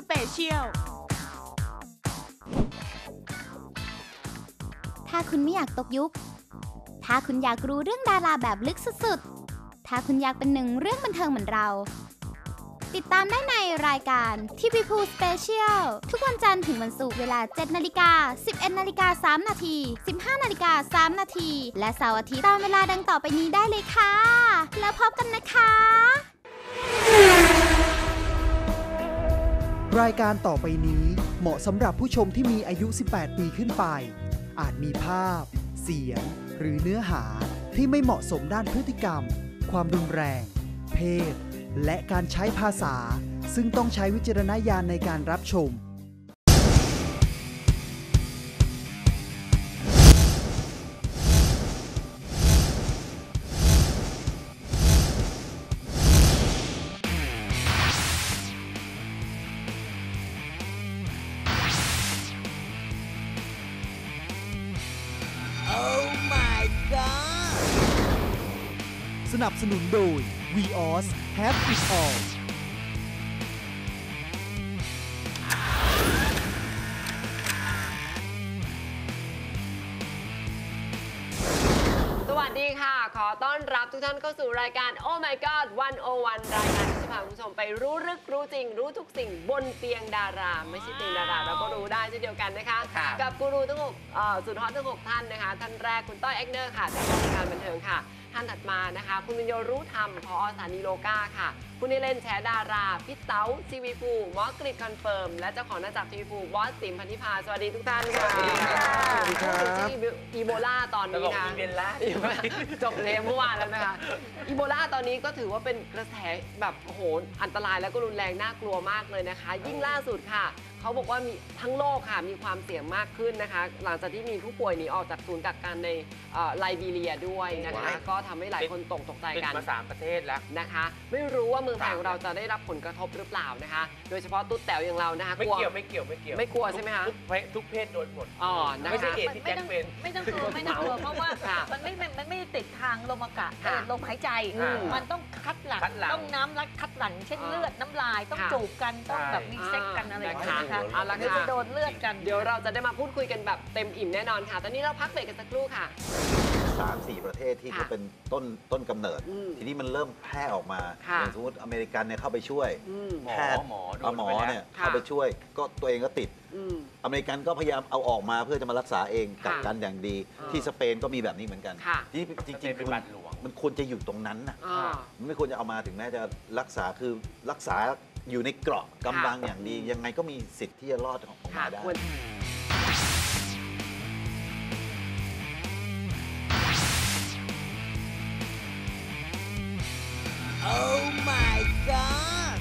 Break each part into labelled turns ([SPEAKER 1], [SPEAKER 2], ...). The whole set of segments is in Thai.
[SPEAKER 1] Special
[SPEAKER 2] ถ้าคุณไม่อยากตกยุคถ้าคุณอยากรู้เรื่องดาราแบบลึกสุดๆถ้าคุณอยากเป็นหนึ่งเรื่องบันเทิงเหมือนเราติดตามได้ในรายการ TV Pool Special ทุกวันจันทร์ถึงวันศุกร์เวลา 7:00 น. 11:03 น. 15:03 น. และเสาร์อาทิตย์ตามเวลาดังต่อไปนี้ได้เลยค่ะแล้วพบกันนะคะ
[SPEAKER 3] รายการต่อไปนี้เหมาะสำหรับผู้ชมที่มีอายุ 18 ปีขึ้นไปอาจมีภาพเสียงหรือเนื้อหาที่ไม่เหมาะสมด้านพฤติกรรมความรุนแรงเพศและการใช้ภาษาซึ่งต้องใช้วิจารณญาณในการรับชมสนับสนุนโดย Vios Have It All
[SPEAKER 4] สวัสดีค่ะขอต้อนรับทุกท่านเข้าสู่รายการ Oh My God 101 รายการที่จะพาคุณผู้ชมไปรู้ลึกรู้จริงรู้ทุกสิ่งบนเตียงดาราไม่ใช่เตียงดาราเราก็รู้ได้เช่นเดียวกันนะคะกับกูรูทั้ง6สุดฮอตทั้ง6ท่านนะคะท่านแรกคุณต้อยเอ็กเนอร์ค่ะจากวงการบันเทิงค่ะท่านถัดมานะคะคุณวิญโยรู้ธรรมผอ.สถานีโลกาค่ะคุณนิเลนแฉดาราพี่เต๋าทีวีภูหมอกฤษคอนเฟิร์มและเจ้าของหน้าจักรทีวีภูบอสติ๋มพันธิพาสวัสดีทุกท่านค่ะสวัสดีค่ะอีโบลาตอนนี้นะจบเลยเมื่อวานแล้วนะคะอีโบลาตอนนี้ก็ถือว่าเป็นกระแสแบบโอ้โหอันตรายแล้วก็รุนแรงน่ากลัวมากเลยนะคะยิ่งล่าสุดค่ะเขาบอกว่ามีทั้งโลกค่ะมีความเสี่ยงมากขึ้นนะคะหลังจากที่มีผู้ป่วยหนีออกจากศูนย์กักกันในไลบีเรียด้วยนะคะก็ทำให้หลายคนตกใจกัน
[SPEAKER 5] มา3 ประเทศแล้ว
[SPEAKER 4] นะคะไม่รู้ว่าเมืองไทยของเราจะได้รับผลกระทบหรือเปล่านะคะโดยเฉพาะตุ๊ดแต๋วอย่างเรานะคะ
[SPEAKER 5] ไม่เกี่ยวไม่
[SPEAKER 4] กลัวใช่ไหมคะ
[SPEAKER 5] ทุกเพศโดนหมด
[SPEAKER 4] ไม่ใช่
[SPEAKER 5] เหตุที่แจ็คเป็น
[SPEAKER 6] ไม่ต้องกลัวเพราะว่ามันไม่ติดทางลมอากาศลมหายใจมันต้องคัดหลั่งต้องน้ำรัดคัดหลั่งเช่นเลือดน้ำลายต้องจูบกันต้องแบบมีเซ็กกันอะไรอย่างเงี้ยนะคะเดี๋ยวจะโดนเลือดกัน
[SPEAKER 4] เดี๋ยวเราจะได้มาพูดคุยกันแบบเต็มอิ่มแน่นอนค่ะตอนนี้เราพักเบรกกันสักครู่ค่ะ
[SPEAKER 7] 3-4 ประเทศที่เขาเป็นต้นกำเนิดทีนี้มันเริ่มแพร่ออกมาอย่างสมมติอเมริกันเนี่ยเข้าไปช่วยแพทย์หมอเนี่ยเข้าไปช่วยก็ตัวเองก็ติดอเมริกันก็พยายามเอาออกมาเพื่อจะมารักษาเองกักกันอย่างดีที่สเปนก็มีแบบนี้เหมือนกันที่จริงๆมันควรจะอยู่ตรงนั้นนะมันไม่ควรจะเอามาถึงแม้จะรักษาคือรักษาอยู่ในเกราะกำบังอย่างดียังไงก็มีสิทธิ์ที่จะรอดออกมาได้
[SPEAKER 8] Oh my God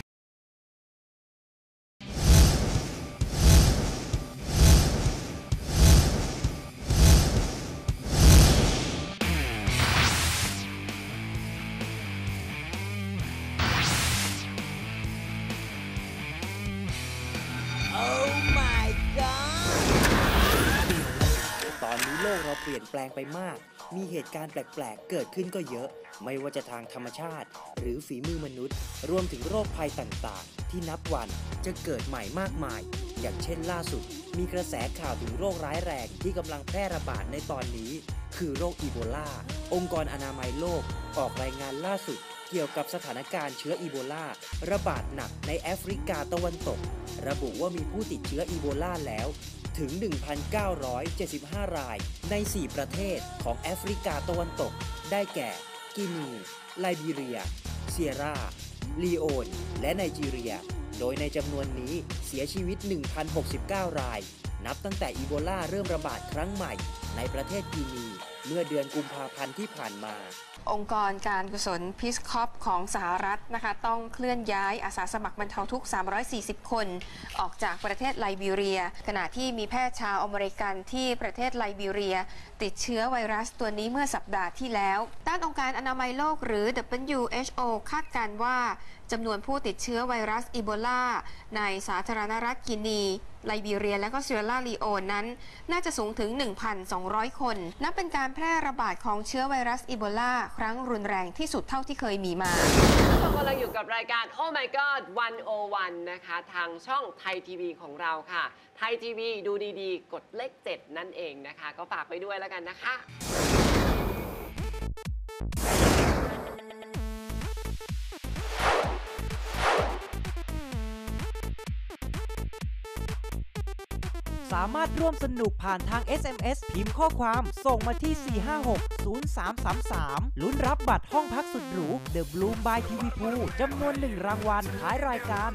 [SPEAKER 9] ตอนนี้โลกเราเปลี่ยนแปลงไปมากมีเหตุการณ์แปลกๆเกิดขึ้นก็เยอะไม่ว่าจะทางธรรมชาติหรือฝีมือมนุษย์รวมถึงโรคภัยต่างๆที่นับวันจะเกิดใหม่มากมายอย่างเช่นล่าสุดมีกระแสข่าวถึงโรคร้ายแรงที่กำลังแพร่ระบาดในตอนนี้คือโรคอีโบลาองค์กรอนามัยโลกออกรายงานล่าสุดเกี่ยวกับสถานการณ์เชื้ออีโบลาระบาดหนักในแอฟริกาตะวันตกระบุว่ามีผู้ติดเชื้ออีโบลาแล้วถึง 1,975 รายใน 4 ประเทศของแอฟริกาตะวันตกได้แก่กินีไลบีเรียเซียราลีโอนและไนจีเรียโดยในจำนวนนี้เสียชีวิต 1,069 รายนับตั้งแต่อีโบลาเริ่มระบาดครั้งใหม่ในประเทศกินีเมื่อเดือนกุมภาพันธ์ที่ผ่านมา
[SPEAKER 10] องค์กรการกุศลพีซคอปของสหรัฐนะคะต้องเคลื่อนย้ายอาสาสมัครบรรเทาทุกข์340 คนออกจากประเทศไลบีเรียขณะที่มีแพทย์ชาวอเมริกันที่ประเทศไลบีเรียติดเชื้อไวรัสตัวนี้เมื่อสัปดาห์ที่แล้วด้านองค์การอนามัยโลกหรือ WHO คาดการณ์ว่าจำนวนผู้ติดเชื้อไวรัสอีโบลาในสาธารณรัฐกินีไลบีเรียและก็เซียร่าลีโอนนั้นน่าจะสูงถึง 1,200 คนนับเป็นการแพร่ระบาดของเชื้อไวรัสอีโบลาครั้งรุนแรงที่สุดเท่าที่เคยมีมา
[SPEAKER 4] เรากำลังอยู่กับรายการ Oh My God 101 นะคะทางช่องไทยทีวีของเราค่ะไทยทีวีดูดีๆกดเลข 7 นั่นเองนะคะก็ฝากไปด้วยแล้วกันนะคะ
[SPEAKER 1] สามารถร่วมสนุกผ่านทาง SMS พิมพ์ข้อความส่งมาที่ 4560333 ลุ้นรับบัตรห้องพักสุดหรู The Bloom by TV Pool จำนวน1รางวัลท้ายรายการ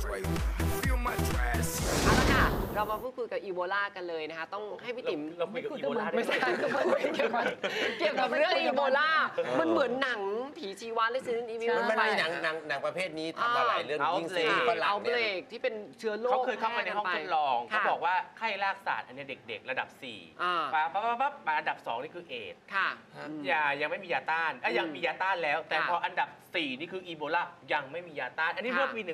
[SPEAKER 4] เอาละค่ะเรามาพูดคุยกับอีโบลากันเลยนะคะต้องให้พี่ติ๋ม
[SPEAKER 5] เราคุยกับอีโบลา
[SPEAKER 4] ไม่ใช่เกี่ยวกับเรื่องอีโบลามันเหมือนหนังผีชีวะเลยซินอีวิว
[SPEAKER 11] มันมีหนังประเภทนี้ทำมาหลายเรื่องยิ่งซีรีส์ฝรั่ง
[SPEAKER 4] เอาเบรกที่เป็นเชื้อโรค
[SPEAKER 5] เขาเคยเข้ามาในห้องทดลองเขาบอกว่าไข้รากศาสตร์อันนี้เด็กๆระดับ4ปั๊บมาอันดับ2นี่คือเอดส์ยังไม่มียาต้านยังมียาต้านแล้วแต่พออันดับ4นี่คืออีโบลายังไม่มียาต้านอันนี้เมื่อปี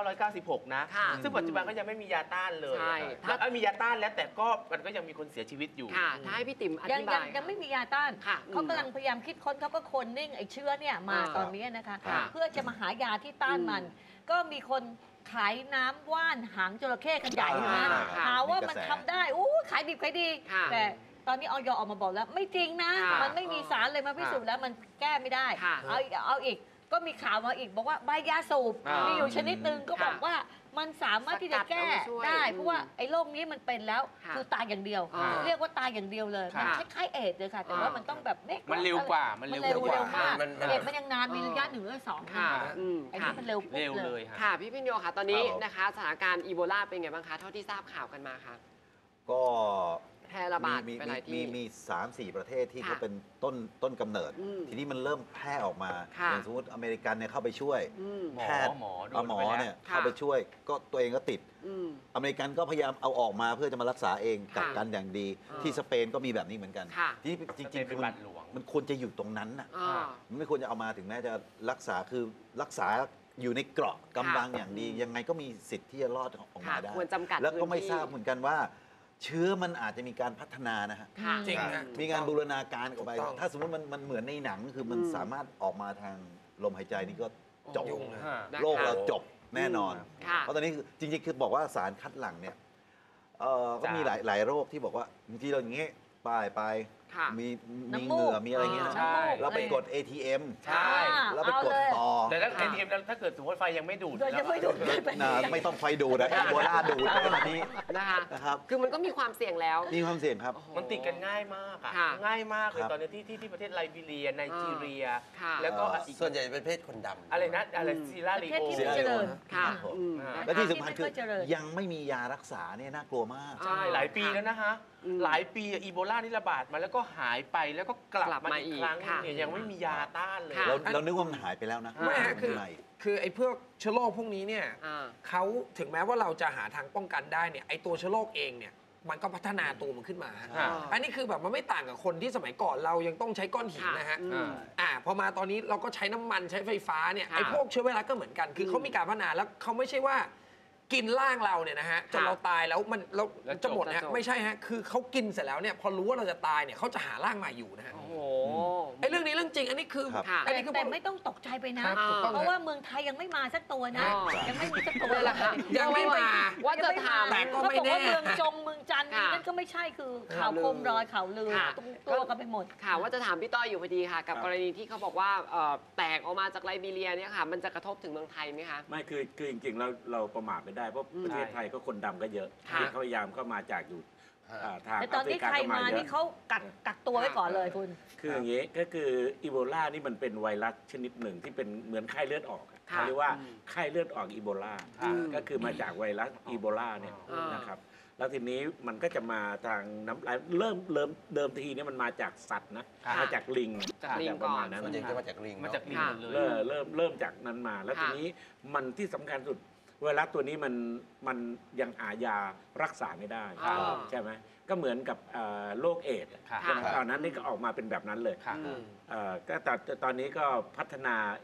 [SPEAKER 5] 1996 นะซึ่งปัจจุบันก็ยังไม่มียาต้านเลยแล้วมียาต้านแล้วแต่ก็มันก็ยังมีคนเสียชีวิตอยู่
[SPEAKER 4] ถ้าให้พี่ติ๋มอธิบาย
[SPEAKER 6] ยังไม่มียาต้านเขากำลังพยายามคิดค้นเขาก็คนนิ่งไอ้เชื้อเนี่ยมาตอนนี้นะคะเพื่อจะมาหายาที่ต้านมันก็มีคนขายน้ำว่านหางจระเข้กันใหญ่นะหาว่ามันทำได้ขายดิบขายดีแต่ตอนนี้อย.ออกมาบอกแล้วไม่จริงนะมันไม่มีสารเลยมาพิสูจน์แล้วมันแก้ไม่ได้เอาอีกก็มีข่าวมาอีกบอกว่าใบยาสูบมีอยู่ชนิดนึงก็บอกว่ามันสามารถที่จะแก้ได้เพราะว่าไอ้โรคนี้มันเป็นแล้วคือตายอย่างเดียวเรียกว่าตายอย่างเดียวเลยมันคล้ายๆเอดส์เลยค่ะแต่ว่ามันต้องแบบ
[SPEAKER 5] มันเร็วกว่า
[SPEAKER 6] มันเร็วมากเอดส์มันยังนานมีระยะ1 หรือ 2ค่ะไอ้นี่มันเร็ว
[SPEAKER 5] เลย
[SPEAKER 4] ค่ะพี่พิญโยค่ะตอนนี้นะคะสถานการณ์อีโบลาเป็นไงบ้างคะเท่าที่ทราบข่าวกันมาค่ะ
[SPEAKER 7] ก็
[SPEAKER 4] แพร่ระบาดไปหลายที่
[SPEAKER 7] มี 3-4 ประเทศที่เขาเป็นต้นกำเนิดทีนี้มันเริ่มแพร่ออกมาอย่างสมมติอเมริกันเนี่ยเข้าไปช่วยแพทย์หมอเนี่ยเข้าไปช่วยก็ตัวเองก็ติดอเมริกันก็พยายามเอาออกมาเพื่อจะมารักษาเองกักกันอย่างดีที่สเปนก็มีแบบนี้เหมือนกันที่จริงๆคือมันควรจะอยู่ตรงนั้นน่ะมันไม่ควรจะเอามาถึงแม้จะรักษาคือรักษาอยู่ในเกราะกำบังอย่างดียังไงก็มีสิทธิ์ที่จะรอดออกมาได้แล้วก็ไม่ทราบเหมือนกันว่าเชื้อมันอาจจะมีการพัฒนานะฮะ
[SPEAKER 11] จริง
[SPEAKER 7] มีการบูรณาการออกไปถ้าสมมติมันเหมือนในหนังคือมันสามารถออกมาทางลมหายใจนี่ก็จบโลกเราจบแน่นอนเพราะตอนนี้จริงๆคือบอกว่าสารคัดหลั่งเนี่ยก็มีหลายโรคที่บอกว่าบางทีเราอย่างงี้ไปมีเหงื่อมีอะไรเงี้ยเราไปกด ATM
[SPEAKER 5] ใช่
[SPEAKER 7] แล้วไปกดต่อ
[SPEAKER 5] แต่ถ้า ATM ถ้าเกิดสมมติไฟยังไม่ดูด
[SPEAKER 7] ไม่ต้องไฟดูดนะอีโบลาดูดในขณะนี้
[SPEAKER 4] นะครับคือมันก็มีความเสี่ยงแล้ว
[SPEAKER 7] มีความเสี่ยงครับ
[SPEAKER 5] มันติดกันง่ายมากง่ายมากเลยตอนนี้ที่ประเทศไลบีเรียไนจีเรียแล้วก็
[SPEAKER 11] ส่วนใหญ่เป็นเพศคนดำ
[SPEAKER 5] อะไรนะอะไรซีราลีโอ
[SPEAKER 7] และที่สำคัญคือยังไม่มียารักษาเนี่ยน่ากลัวมาก
[SPEAKER 5] ใช่หลายปีแล้วนะคะหลายปีอีโบลานี่ระบาดมาแล้วก็หายไปแล้วก็กลับมาอีกครั้งเนี่ยยังไม่มียาต้านเลย
[SPEAKER 7] เรานึกว่ามันหายไปแล้วนะ
[SPEAKER 11] ไม่คือไอ้พวกเชื้อโรคพวกนี้เนี่ยเขาถึงแม้ว่าเราจะหาทางป้องกันได้เนี่ยไอ้ตัวเชื้อโรคเองเนี่ยมันก็พัฒนาตัวมันขึ้นมาอันนี้คือแบบมันไม่ต่างกับคนที่สมัยก่อนเรายังต้องใช้ก้อนหินนะฮะพอมาตอนนี้เราก็ใช้น้ำมันใช้ไฟฟ้าเนี่ยไอ้พวกเชื้อไวรัสก็เหมือนกันคือเขามีการพัฒนาแล้วเขาไม่ใช่ว่ากินร่างเราเนี่ยนะฮะจนเราตายแล้วมันเราจะหมดนะฮะไม่ใช่ฮะคือเขากินเสร็จแล้วเนี่ยพอรู้ว่าเราจะตายเนี่ยเขาจะหาร่างใหม่อยู่นะฮะไอ้เรื่องนี้เรื่องจริงอันนี้คือ
[SPEAKER 6] แต่ไม่ต้องตกใจไปนะเพราะว่าเมืองไทยยังไม่มาสักตัวนะยังไม่มีสักตัวเลยค่ะ
[SPEAKER 11] ยังไม่มา
[SPEAKER 4] ว่าจะถาม
[SPEAKER 11] แต่ก็ไม่แน่
[SPEAKER 6] เมืองจงเมืองจันทร์นั่นก็ไม่ใช่คือข่าวโคมรอยข่าวลือตัวกันไปหมด
[SPEAKER 4] ค่ะว่าจะถามพี่ต้อยอยู่พอดีค่ะกับกรณีที่เขาบอกว่าแตกออกมาจากไลบีเรียเนี่ยค่ะมันจะกระทบถึงเมืองไทยไหมคะ
[SPEAKER 12] ไม่คือจริงๆเราประมาทไม่ได้เพราะประเทศไทยก็คนดำก็เยอะที่เขาพยายามเข้ามาจากอยู่ทาง
[SPEAKER 6] แต่ตอนนี้ใครมานี่เขากักตัวไว้ก่อนเลยคุณ
[SPEAKER 12] คืออย่างนี้ก็คืออีโบลานี่มันเป็นไวรัสชนิดหนึ่งที่เป็นเหมือนไข้เลือดออกเขาเรียกว่าไข้เลือดออกอีโบลาก็คือมาจากไวรัสอีโบลาเนี่ยนะครับแล้วทีนี้มันก็จะมาทางน้ำลายเดิมทีนี้มันมาจากสัตว์นะมาจากลิง
[SPEAKER 11] จากประมาณนั้นมันจะมาจากลิง
[SPEAKER 12] เริ่มจากนั้นมาแล้วทีนี้มันที่สำคัญสุดไวรัสตัวนี้มันยังหายารักษาไม่ได้ใช่ไหมก็เหมือนกับโรคเอดส์ตอนนั้นนี่ก็ออกมาเป็นแบบนั้นเลยก็แต่ตอนนี้ก็พัฒนาเอดส์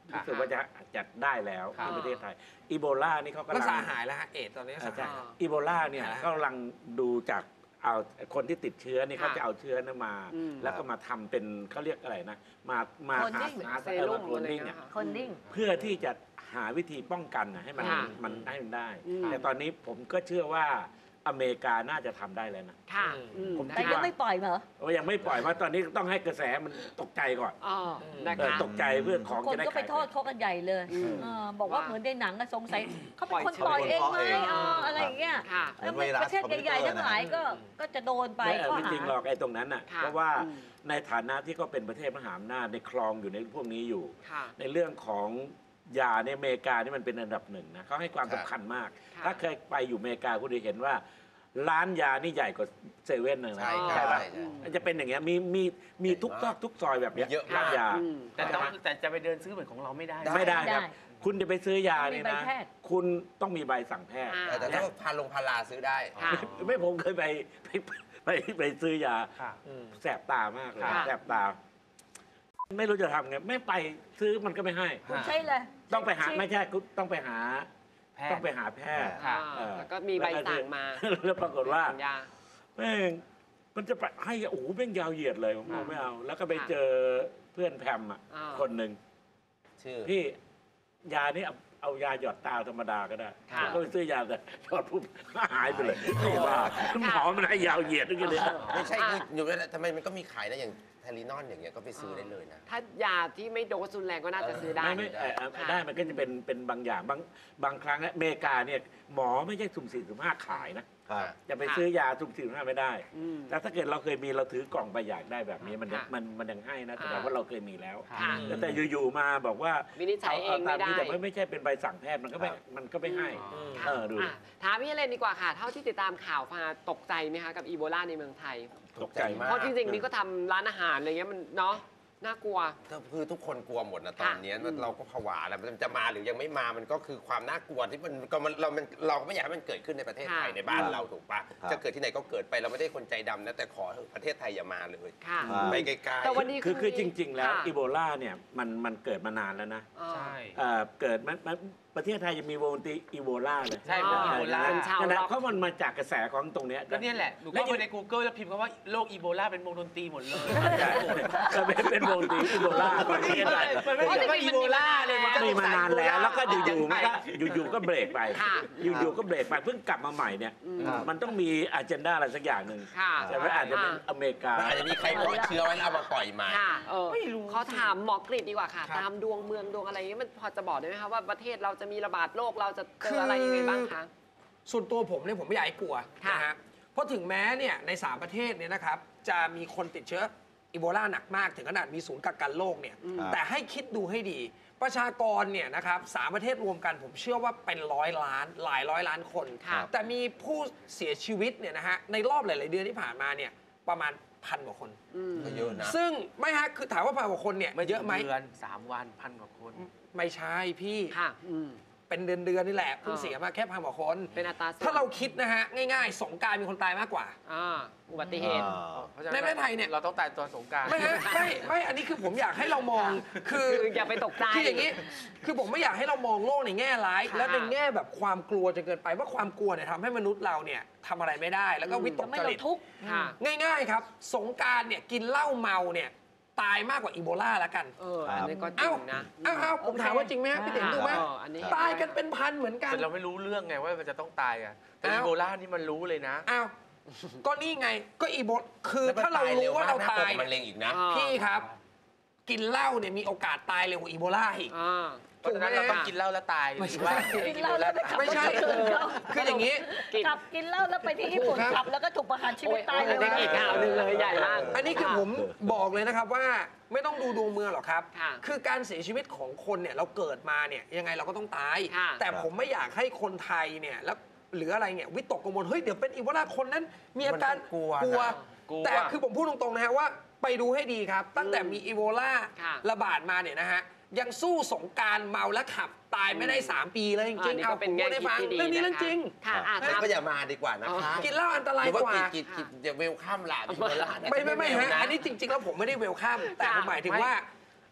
[SPEAKER 12] รู้สึกว่าจะได้แล้วที่ประเทศไทยอีโบลานี่เขากำลัง
[SPEAKER 11] รักษาหายแล้วฮะเอดตอนนี้
[SPEAKER 12] ใช่อีโบลาเนี่ยเขากำลังดูจากเอาคนที่ติดเชื้อนี่เขาจะเอาเชื้อนั้นมาแล้วก็มาทำเป็นเขาเรียกอะไรนะมาหาเซรุ่มโคลนนิ่งเพื่อที่จะหาวิธีป้องกันให้มันได้แต่ตอนนี้ผมก็เชื่อว่าอเมริกาน่าจะทำได้แล้วนะ
[SPEAKER 6] ผมแต่ยังไม่ปล่อยเหรอ
[SPEAKER 12] ยังไม่ปล่อยว่าตอนนี้ต้องให้กระแสมันตกใจก่อนตกใจเรื่องของ
[SPEAKER 6] คนก็ไปโทษเขากันใหญ่เลยบอกว่าเหมือนในหนังสงสัยเขาเป็นคนปล่อยเองไหมอะไรอย่างเงี้ยประเทศใหญ่ๆทั้งหลายก็จะโดนไป
[SPEAKER 12] ไม่จริงหรอกไอ้ตรงนั้นน่ะเพราะว่าในฐานะที่ก็เป็นประเทศมหาอำนาจในคลองอยู่ในพวกนี้อยู่ในเรื่องของยาในอเมริกานี่มันเป็นอันดับหนึ่งนะเขาให้ความสำคัญมากถ้าเคยไปอยู่อเมริกาคุณจะเห็นว่าร้านยานี่ใหญ่กว่าเซเว่นเลยนะใช่ไหมจะเป็นอย่างเงี้ยมีทุกซอกทุกซอยแบบนี้ร้านยา
[SPEAKER 5] แต่จะไปเดินซื้อเหมือนของเราไม่ได้
[SPEAKER 12] ครับคุณจะไปซื้อยาเนี่ยนะคุณต้องมีใบสั่งแพทย์
[SPEAKER 13] แต่ถ้าพาราซื้อได้
[SPEAKER 12] ไม่ผมเคยไปซื้อยาแสบตามากเลยแสบตาไม่รู้จะทำไงไม่ไปซื้อมันก็ไม่ให้
[SPEAKER 6] ใช่เลย
[SPEAKER 12] ต้องไปหาไม่ใช่ต้องไปหาแพทย์
[SPEAKER 4] แล้วก็มีใบสั่งมา
[SPEAKER 12] แล้วปรากฏว่าแม่งมันจะไปให้โอ้โหแม่งยาวเหยียดเลยผมไม่เอาแล้วก็ไปเจอเพื่อนแพมคนหนึ่งพี่ยานี่เอายาหยอดตาธรรมดาก็ได้ก็ไปซื้อยาแต่หยอดปุ๊บหายไปเลยว่าหมอมันให้ยาวเหยียดด้วยกันเลย
[SPEAKER 13] ไม่ใช่อยู่ทำไมมันก็มีขายนะอย่างไทลีนอนอย่างเงี้ยก็ไปซื้อได้เลยนะ
[SPEAKER 4] ถ้ายาที่ไม่โดสรุนแรงก็น่าจะซื้อได้
[SPEAKER 12] ได้มันก็จะเป็นบางอย่างบางครั้งอเมริกาเนี่ยหมอไม่ใช่สุ่มสี่สุ่มห้าขายนะจะไปซื้อยาสุ่มสี่สุ่มห้าไม่ได้แต่ถ้าเกิดเราเคยมีเราถือกล่องไปอยากได้แบบนี้มันยังให้นะแสดงว่าเราเคยมีแล้วแต่อยู่ๆมาบอกว่า
[SPEAKER 4] วินิจฉัยเองไม่ได้
[SPEAKER 12] แต่ไม่ใช่เป็นใบสั่งแพทย์มันก็ไม่ให้
[SPEAKER 4] ดูถามพี่เลนดีกว่าค่ะเท่าที่ติดตามข่าวมาตกใจไหมคะกับอีโบลาในเมืองไทย
[SPEAKER 12] ตกใจมาก
[SPEAKER 4] เพราะจริงๆนี่ก็ทำร้านอาหารอะไรเงี้ยมันเนาะน่ากลัว
[SPEAKER 13] คือทุกคนกลัวหมดนะตอนนี้เราก็ผวาแล้วมันจะมาหรือยังไม่มามันก็คือความน่ากลัวที่เราไม่อยากให้มันเกิดขึ้นในประเทศไทยในบ้านเราถูกปะจะเกิดที่ไหนก็เกิดไปเราไม่ได้คนใจดำนะแต่ขอประเทศไทยอย่ามาเลยไปไกลๆ
[SPEAKER 4] แต่วันนี้
[SPEAKER 12] คือจริงๆแล้วอีโบลาเนี่ยมันเกิดมานานแล้วนะ
[SPEAKER 5] ใช่
[SPEAKER 12] เกิดประเทศไทยยังมีวงตีอีโบลาเลย
[SPEAKER 5] ใช่อีโบลา
[SPEAKER 12] เพราะมันมาจากกระแสของตรงนี้
[SPEAKER 5] ก็นี่แหละหนูก็ไปใน Google แล้วพิมพ์คำว่าโรคอีโบลาเป็นวงดนตรีหมดเลย
[SPEAKER 12] เป็นวงดนตรีอีโบลา
[SPEAKER 5] มันไม่ใช่ว่าอีโบลาเลยมัน
[SPEAKER 12] มีมานานแล้วแล้วก็อยู่ก็เบรกไปอยู่ก็เบรกไปเพิ่งกลับมาใหม่เนี่ยมันต้องมีอเจนดาอะไรสักอย่างหนึ่งแต่ว่าอาจจะเป็นอเมริกา
[SPEAKER 13] อาจจะมีใครปล่อยเชื้อไว้แล้วเอามาปล่อยมา
[SPEAKER 4] ไม่รู้เขาถามหมอกฤษดีกว่าค่ะตามดวงเมืองดวงอะไรเงี้ยมันพอจะบอกได้ไหมคะว่าประเทศเราจะมีระบาดโรคเราจะเจออะไรยังไงบ้างคะ
[SPEAKER 11] ส่วนตัวผมเนี่ยผมไม่อยากให้กลัวนะฮะเพราะถึงแม้เนี่ยใน3ประเทศเนี่ยนะครับจะมีคนติดเชื้ออีโบลาหนักมากถึงขนาดมีศูนย์กักกันโรคเนี่ยแต่ให้คิดดูให้ดีประชากรเนี่ยนะครับ3ประเทศรวมกันผมเชื่อว่าเป็น100 ล้านหลายร้อยล้านคนแต่มีผู้เสียชีวิตเนี่ยนะฮะในรอบหลายๆเดือนที่ผ่านมาเนี่ยประมาณ1,000 กว่าคน
[SPEAKER 13] ก็เยอะนะ
[SPEAKER 11] ซึ่งไม่ฮะคือถามว่า1,000 กว่าคนเนี่ยเยอะไหม
[SPEAKER 5] เดือน3 วัน1,000 กว่าคน
[SPEAKER 11] ไม่ใช่พี่เป็นเดือนนี่แหละเพิ่งเสียมาแค่1,000 กว่าคน
[SPEAKER 4] เป็นอัตรา
[SPEAKER 11] ถ้าเราคิดนะฮะง่ายๆสงกรานต์มีคนตายมากกว่า
[SPEAKER 4] อุบัติเหตุ
[SPEAKER 11] ในประเทศไทยเนี่ย
[SPEAKER 5] เราต้องตายตอนสงกรานต์
[SPEAKER 11] ไม่อันนี้คือผมอยากให้เรามองคือ
[SPEAKER 4] อย่าไปตกใจ
[SPEAKER 11] คืออย่างนี้คือผมไม่อยากให้เรามองโลกในแง่ร้ายและในแง่แบบความกลัวจนเกินไปว่าความกลัวเนี่ยทำให้มนุษย์เราเนี่ยทำอะไรไม่ได้แล้วก็วิตกจริตง่ายๆครับสงกรานต์เนี่ยกินเหล้าเมาเนี่ยตายมากกว่าอีโบลาแล้วกัน
[SPEAKER 4] อันนี้ก็จริงนะ
[SPEAKER 11] ผมถามว่าจริงไหมพี่เด่นดูไหมตายกันเป็นพันเหมือนกัน
[SPEAKER 5] แต่เราไม่รู้เรื่องไงว่ามันจะต้องตายอ่ะแต่อีโบลานี่มันรู้เลยนะ
[SPEAKER 11] ก็นี่ไงก็อีโบคือถ้าเรารู้ว่าเราตาย
[SPEAKER 13] มันเร็งอีกนะ
[SPEAKER 11] พี่ครับกินเหล้าเนี่ยมีโอกาสตายเร็วกว่าอีโบลาอีก
[SPEAKER 5] เพราะฉะนั้นเราต้องกินเหล้าแล้วตาย
[SPEAKER 6] กินเหล้าแล้ว
[SPEAKER 11] ไม่ใช่คืออย่างนี้
[SPEAKER 6] ขับกินเหล้าแล้วไปที่ญี่ปุ่นขับแล้วก็ถูกประหารชีวิตตาย
[SPEAKER 4] เลยอีกข่าวนึงเลยใหญ่มาก
[SPEAKER 11] อันนี้คือผมบอกเลยนะครับว่าไม่ต้องดูดวงเมืองหรอกครับคือการเสียชีวิตของคนเนี่ยเราเกิดมาเนี่ยยังไงเราก็ต้องตายแต่ผมไม่อยากให้คนไทยเนี่ยแล้วหรืออะไรเนี่ยวิตกกังวลเฮ้ยเดี๋ยวเป็นอีโบลาคนนั้นมีอาการกลัวแต่คือผมพูดตรงๆนะฮะว่าไปดูให้ดีครับตั้งแต่มีอีโบลาระบาดมาเนี่ยนะฮะยังสู้สงกรานต์เมาและขับตายไม่ได้3 ปีเลยจริงๆ
[SPEAKER 4] เอา
[SPEAKER 11] เป็นแง่คิดที่ดีเรื่องนี้เรื่องจริง
[SPEAKER 13] ก็อย่ามาดีกว่านะคะ
[SPEAKER 11] กินเหล้าอันตรายกว่า
[SPEAKER 13] กินอย่าเวลข้ามหลานอีโบลา
[SPEAKER 11] ไม่ฮะอันนี้จริงๆแล้วผมไม่ได้เวลข้ามแต่ผมหมายถึงว่า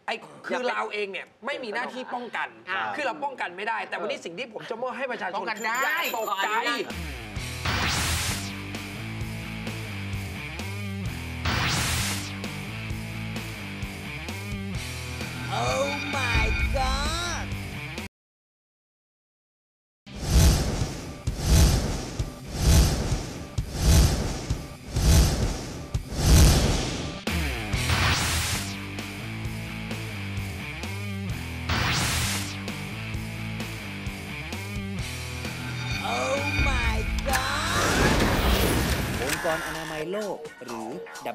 [SPEAKER 11] คือเราเองเนี่ยไม่มีหน้าที่ป้องกันคือเราป้องกันไม่ได้แต่วันนี้สิ่งที่ผมจะมอบให้ประชาชนคืออย่าตกใจ
[SPEAKER 8] Oh my god
[SPEAKER 9] องค์กรอนามัยโลกหรือ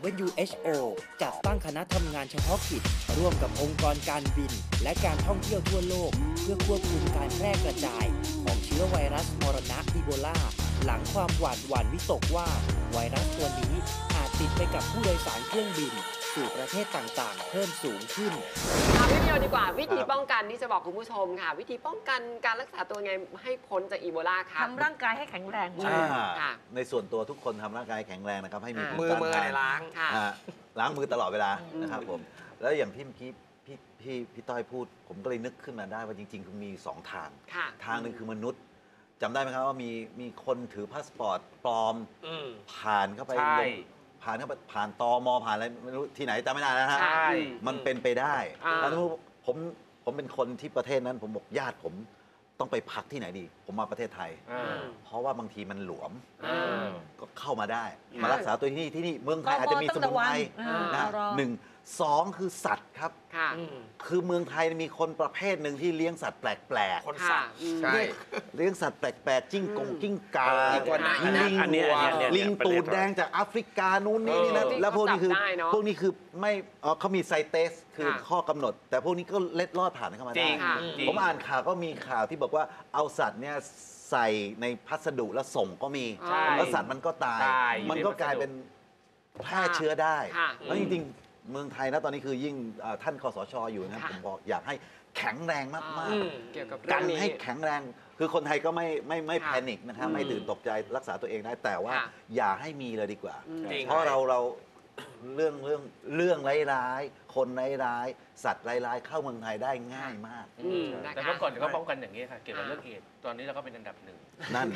[SPEAKER 9] WHO จัดตั้งคณะทำงานเฉพาะกิจร่วมกับองค์กรการบินและการท่องเที่ยวทั่วโลกเพื่อควบคุมการแพร่กระจายของเชื้อไวรัสมรณะอีโบลาหลังความหวาดหวั่นวิตกว่าไวรัสตัวนี้อาจติดไปกับผู้โดยสารเครื่องบินสู่ประเทศต่างๆเพิ่มสูงขึ้น
[SPEAKER 4] วิดีโอดีกว่าวิธีป้องกันที่จะบอกคุณผู้ชมค่ะวิธีป้องกันการรักษาตัวไงให้พ้นจากอีโบลาค่ะ
[SPEAKER 6] ทำร่างกายให้แข็งแรง
[SPEAKER 7] ในส่วนตัวทุกคนทำร่างกายแข็งแรงนะครับให้มี
[SPEAKER 11] มือล้าง
[SPEAKER 7] ล้างมือตลอดเวลานะครับผมแล้วอย่างที่เมื่อกี้พี่ต้อยพูดผมก็เลยนึกขึ้นมาได้ว่าจริงๆคือมี2ทางทางหนึ่งคือมนุษย์จำได้ไหมครับว่ามีคนถือพาสปอร์ตปลอมผ่านเข้าไปผ่านตมผ่านอะไรไม่รู้ที่ไหนจำไม่ได้นะฮะมันเป็นไปได้แล้วผมเป็นคนที่ประเทศนั้นผมบอกญาติผมต้องไปพักที่ไหนดีผมมาประเทศไทยเพราะว่าบางทีมันหลวมก็เข้ามาได้มารักษาตัวที่นี่เมืองไทยอาจจะมีสมุนไพรนะ1 2คือสัตว์ครับคือเมืองไทยมีคนประเภทหนึ่งที่เลี้ยงสัตว์แปลกๆ
[SPEAKER 11] คนสัตว์
[SPEAKER 7] ใช่เลี้ยงสัตว์แปลกๆจิ้งกาลิงตูดแดงจากแอฟริกานู้นนี่นะแล้วพวกนี้คือไม่เขามีไซเตสคือข้อกำหนดแต่พวกนี้ก็เล็ดลอดผ่านเข้ามาได้ผมอ่านข่าวก็มีข่าวที่บอกว่าเอาสัตว์เนี่ยใส่ในพัสดุแล้วส่งก็มีแล้วสัตว์มันก็ตายมันก็กลายเป็นแพร่เชื้อได้แล้วจริงเมืองไทยนะตอนนี้คือยิ่งท่านคสช.อยู่นะผมบอกอยากให้แข็งแรงมากๆกันให้แข็งแรงคือคนไทยก็ไม่แพนิคนะครับไม่ตื่นตกใจรักษาตัวเองได้แต่ว่าอย่าให้มีเลยดีกว่าเพราะเราเรื่องร้ายๆคนร้ายๆสัตว์ร้ายๆเข้าเมืองไทยได้ง่ายมาก
[SPEAKER 5] แต่เมื่อก่อนเขาป้องกันอย่างนี้ค่ะเกี่ยวกับเรื่องเอดตอนนี้เราก็เป็นอันดับ1
[SPEAKER 7] นั่น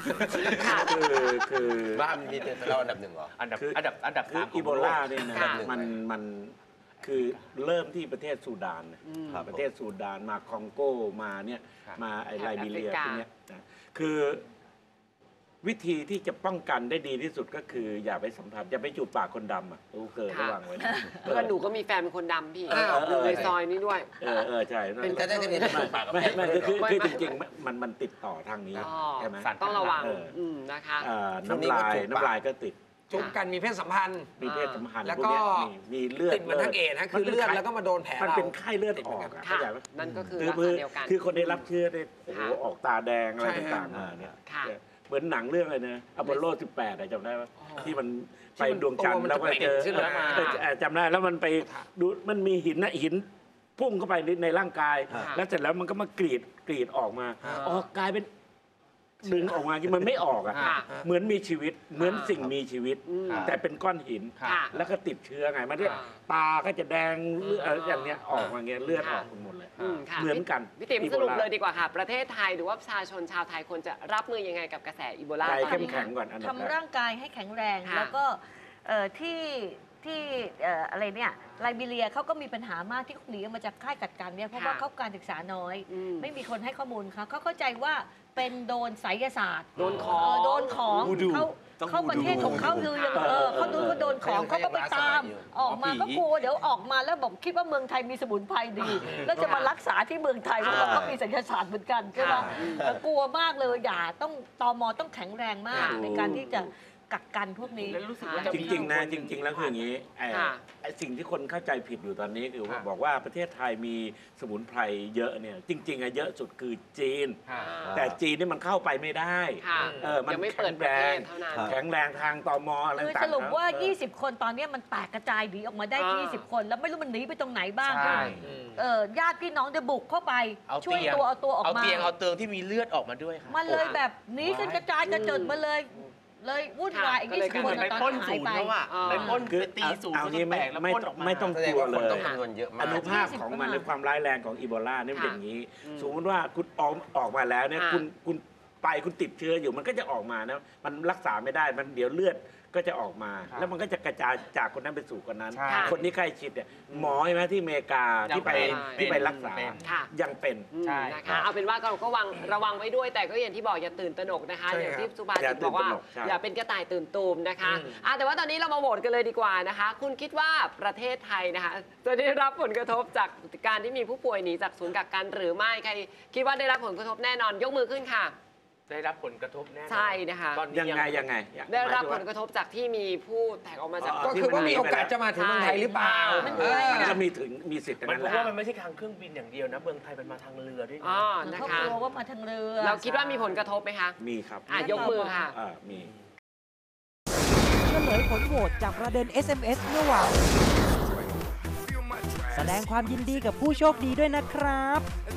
[SPEAKER 13] คือบ้านมีเราอันดับ1เหรอ
[SPEAKER 5] อันดับ3
[SPEAKER 12] อีโบลาเนี่ยนะมันคือเริ่มที่ประเทศซูดานประเทศซูดานมาคองโกมาเนี่ยมาไอไลบีเรียพวกนี้คือวิธีที่จะป้องกันได้ดีที่สุดก็คืออย่าไปสัมผัสอย่าไปจูบปากคนดำเกิดระวังไว้
[SPEAKER 4] เพื่อนหนูก็มีแฟนเป็นคนดำพี่ในซอยนี้ด้วย
[SPEAKER 12] ใช่
[SPEAKER 13] เป็นก็ได้จะมี
[SPEAKER 12] ไม่คือจริงๆมันติดต่อทางนี้ใช่ไหม
[SPEAKER 4] ต้องระวังนะคะ
[SPEAKER 12] น้ำลายก็ติด
[SPEAKER 11] จุบกันมีเพศสัมพันธ์
[SPEAKER 12] แล้วก็
[SPEAKER 11] มีเลือดติดเหมือนทั้งเอดนะคือเลือดแล้วก็มาโดนแผล
[SPEAKER 12] มันเป็นไข้เลือดออกเข้าใจไหม
[SPEAKER 4] นั่นก็คือเดียวกัน
[SPEAKER 12] คือคนได้รับเชื้อได้ออกตาแดงอะไรต่างๆมาเนี่ยเหมือนหนังเรื่องอะไรนะอพอลโล 18จำได้ไหมที่มันไปดวงจันทร์แล้วก็เจอจำได้แล้วมันไปดูมันมีหินพุ่งเข้าไปในร่างกายแล้วเสร็จแล้วมันก็มากรีดออกมากลายเป็นดึงออกมาที่มันไม่ออกเหมือนมีชีวิตเหมือนสิ่งมีชีวิตแต่เป็นก้อนหินแล้วก็ติดเชื้อไงมันตาก็จะแดงอย่างเนี้ยออกมาเงี้ยเลือดออกหมดเลยเหมือนกัน
[SPEAKER 4] พี่ติ๋มสรุปเลยดีกว่าค่ะประเทศไทยหรือว่าประชาชนชาวไทยควรจะรับมือยังไงกับกระแสอีโบลา
[SPEAKER 12] ใจเข้มแข็งก่อน
[SPEAKER 6] ทำร่างกายให้แข็งแรงแล้วก็ที่อะไรเนี่ยไลบีเรียเขาก็มีปัญหามากที่หนีออกมาจากค่ายกักกันเนี่ยเพราะว่าเขาการศึกษาน้อยไม่มีคนให้ข้อมูลเขาเข้าใจว่าเป็นโดนไสยศาสตร์
[SPEAKER 4] โดนของ
[SPEAKER 6] เขาประเทศของเขาคือยังเขาโดนของเขาก็ไปตามออกมาก็กลัวเดี๋ยวออกมาแล้วบอกคิดว่าเมืองไทยมีสมุนไพรดีแล้วจะมารักษาที่เมืองไทยเพราะว่าเขามีไสยศาสตร์เหมือนกันใช่ไหมกลัวมากเลยอย่าต้องตม.ต้องแข็งแรงมากในการที่จะกักกันพวกนี้
[SPEAKER 12] จริงๆนะจริงๆแล้วคืออย่างนี้ไอ้สิ่งที่คนเข้าใจผิดอยู่ตอนนี้คือบอกว่าประเทศไทยมีสมุนไพรเยอะเนี่ยจริงๆเยอะสุดคือจีนแต่จีนนี่มันเข้าไปไม่ได้
[SPEAKER 4] มันไม่เปิดประเทศเท่านั้น
[SPEAKER 12] แข็งแรงทางตม.อะไรต่างๆ
[SPEAKER 6] สรุปว่า20คนตอนนี้มันแตกกระจายหนีออกมาได้20คนแล้วไม่รู้มันหนีไปตรงไหนบ้างญาติพี่น้องจะบุกเข้าไปช่วยเอาตัวออกมา
[SPEAKER 5] เอาเตียงที่มีเลือดออกมาด้วยค่ะ
[SPEAKER 6] มันเลยแบบหนีกันกระจายกระเจิดมาเลยเลยวุ่นวายอีก20 คน
[SPEAKER 5] ไปปล้นศูนย์เขาอะไปปล้นไปตีศูนย์
[SPEAKER 12] เอางี้
[SPEAKER 5] แตกแล้วปล้นออกมา
[SPEAKER 12] ไม่ต้องกลัวเลย
[SPEAKER 13] ต้องคำนวณเยอะมาก
[SPEAKER 12] อนุภาพของมันในความร้ายแรงของอีโบลาเนี่ยเป็นอย่างนี้สมมติว่าคุณออกมาแล้วเนี่ยคุณคุณติดเชื้ออยู่มันก็จะออกมานะมันรักษาไม่ได้มันเดี๋ยวเลือดก็จะออกมาแล้วมันก็จะกระจายจากคนนั้นไปสู่คนนั้น คนที่ใกล้ชิดเนี่ยหมอใช่ไหมที่อเมริกาที่ไปรักษายังเป็น
[SPEAKER 4] นะคะเอาเป็นว่าเราก็ระวังไว้ด้วยแต่ก็อย่างที่บอกอย่าตื่นตระหนกนะคะอย่างที่สุภาษิตบอกว่าอย่าเป็นกระต่ายตื่นตูมนะคะแต่ว่าตอนนี้เรามาโหวตกันเลยดีกว่านะคะคุณคิดว่าประเทศไทยนะคะจะได้รับผลกระทบจากการที่มีผู้ป่วยหนีจากศูนย์กักกันหรือไม่ใครคิดว่าได้รับผลกระทบแน่นอนยกมือขึ้นค่ะ
[SPEAKER 5] ได้รับผลกระทบแน่
[SPEAKER 4] ใช่นะคะ
[SPEAKER 12] ยังไง
[SPEAKER 4] ได้รับผลกระทบจากที่มีผู้แตกออกมาจาก
[SPEAKER 11] ก็คือว่ามีโอกาสจะมาถึงเมืองไทยหรือเปล่า
[SPEAKER 12] มันก็มีสิทธิ์
[SPEAKER 5] มันเพราะว่ามันไม่ใช่ทางเครื่องบินอย่างเดียวนะเมืองไทยมันมาทางเรือด้วยนะ
[SPEAKER 6] เขากลัวว่ามาทางเรือ
[SPEAKER 4] เราคิดว่ามีผลกระทบไหมคะ
[SPEAKER 12] มีครับ
[SPEAKER 4] ยกมือค่ะ
[SPEAKER 12] มี
[SPEAKER 1] เฉลยผลโหวตจากประเด็น SMS เมื่อวานแสดงความยินดีกับผู้โชคดีด้วยนะครับ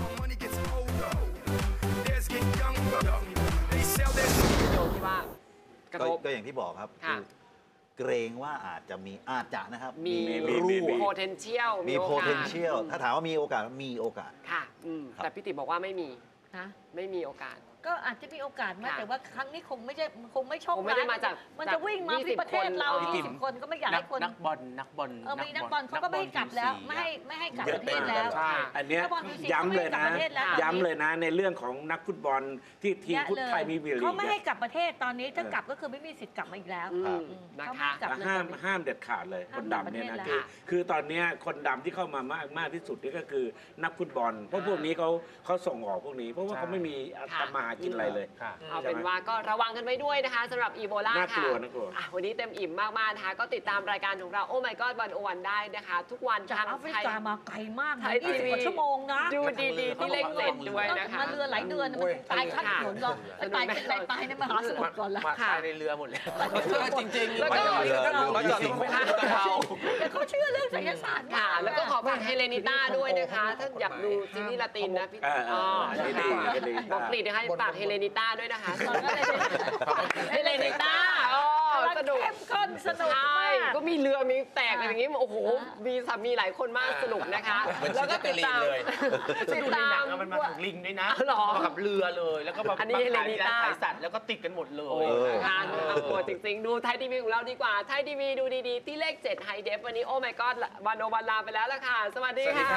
[SPEAKER 7] ก็อย่างที่บอกครับเกรงว่าอาจจะนะครับ
[SPEAKER 4] มีpotential
[SPEAKER 7] มี potential ถ้าถามว่ามีโอกาส
[SPEAKER 4] ค่ะแต่พี่ติ๋มบอกว่าไม่มีโอกาส
[SPEAKER 6] ก็อาจจะมีโอกาสมาแต่ว่าครั้งนี้คงไม่โชค
[SPEAKER 4] ไม่ได้มาจาก
[SPEAKER 6] มันจะวิ่งมาที่ประเทศเรา20 คนก็ไม่อยากให้คน
[SPEAKER 5] นักบอลมีนักบอล
[SPEAKER 6] เขาก็ไม่ให้กลับแล้วไม่ให้กลับประเทศแล้ว
[SPEAKER 12] อันนี้ย้ำเลยนะในเรื่องของนักฟุตบอลที่ทีมฟุตไทยมี
[SPEAKER 6] เขาไม่ให้กลับประเทศตอนนี้ถ้ากลับก็คือไม่มีสิทธิ์กลับมาอีกแล้ว
[SPEAKER 12] นะคะห้ามเด็ดขาดเลยคนดำเนี่ยนะคือตอนนี้คนดำที่เข้ามามากที่สุดนี่ก็คือนักฟุตบอลเพราะพวกนี้เขาส่งออกพวกนี้เพราะว่าเขาไม่มีทำมากินอะไรเลย
[SPEAKER 4] เอาเป็นว่าก็ระวังกันไว้ด้วยนะคะสำหรับอีโบลาค่ะวันนี้เต็มอิ่มมากๆนะคะก็ติดตามรายการของเราโอ้ my god 101ได้นะคะทุกวัน
[SPEAKER 6] จากแอฟริกามาไกลมาก
[SPEAKER 4] นะ
[SPEAKER 6] 20 กว่าชั่วโมงนะ
[SPEAKER 4] ดูดีๆที่เลข7ด้วยนะคะ
[SPEAKER 6] มาเรือหลายเดือนมันตายข้ามถนนก่อนตายในมหาสมุทรก่อนละ
[SPEAKER 5] ตายในเรือหมดเลย
[SPEAKER 11] จริงๆ
[SPEAKER 4] แล้วก็
[SPEAKER 6] เขาเชื่อเรื่องไสยศาสตร์
[SPEAKER 4] ค่ะแล้วก็ขอฝากเฮเลนิต้าด้วยนะคะถ้าอยากดูซีรีส์ลาตินนะพี่บอกกรีดนะคะฝากเฮเลนิต้าด้วยนะคะเฮเลนิต้าสนุก
[SPEAKER 6] สนุกมาก
[SPEAKER 4] ก็มีเรือมีแตกอะไรอย่างงี้โอ้โหมีหลายคนมากสนุกนะคะแล้วก็ติดตาม
[SPEAKER 5] มันมาถึงลิงด้วยนะมากับเรือเลยแล้วก็มาขายสัตว์แล้วก็ติดกันหมดเลย
[SPEAKER 4] น่ากลัวจริงๆดูไทยทีวีของเราดีกว่าไทยทีวีดูดีๆที่เลข7ไฮเดฟวันนี้โอ้ my god 101ลาไปแล้วล่ะค่ะสวัสดีค่ะ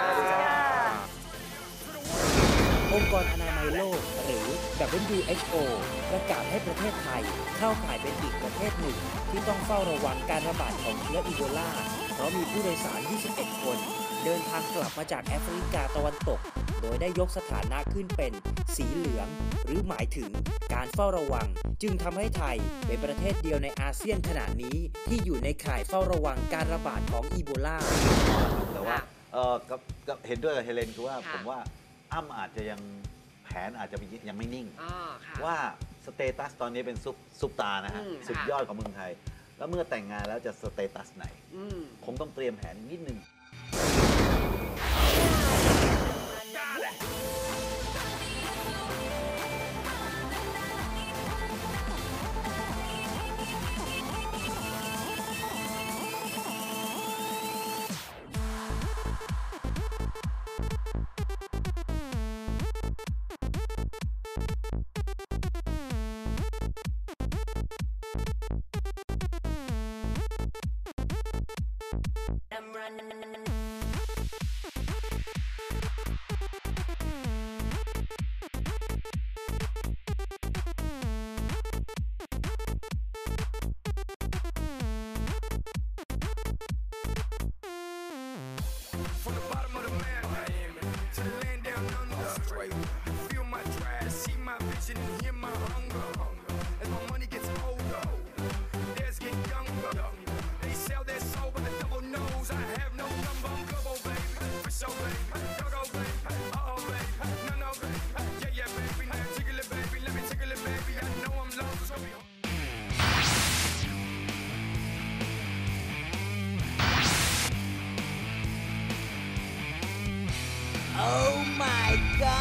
[SPEAKER 9] องค์กรอนามัยโลกหรือ WHO ประกาศให้ประเทศไทยเข้าข่ายเป็นอีกประเทศหนึ่งที่ต้องเฝ้าระวังการระบาดของเชื้ออีโบลาเพราะมีผู้โดยสาร 21 คนเดินทางกลับมาจากแอฟริกาตะวันตกโดยได้ยกสถานะขึ้นเป็นสีเหลืองหรือหมายถึงการเฝ้าระวังจึงทำให้ไทยเป็นประเทศเดียวในอาเซียนขณะนี้ที่อยู่ในข่ายเฝ้าระวังการระบาดของอีโบลา
[SPEAKER 7] แต่ว่าเห็นด้วยกับเฮเลนคือว่าผมว่าอ้ำอาจจะแผนอาจจะยังไม่นิ่งว่าสเตตัสตอนนี้เป็นซุปตานะฮะสุดยอดของเมืองไทยแล้วเมื่อแต่งงานแล้วจะสเตตัสไหนคงต้องเตรียมแผนนิดนึง
[SPEAKER 8] Oh my god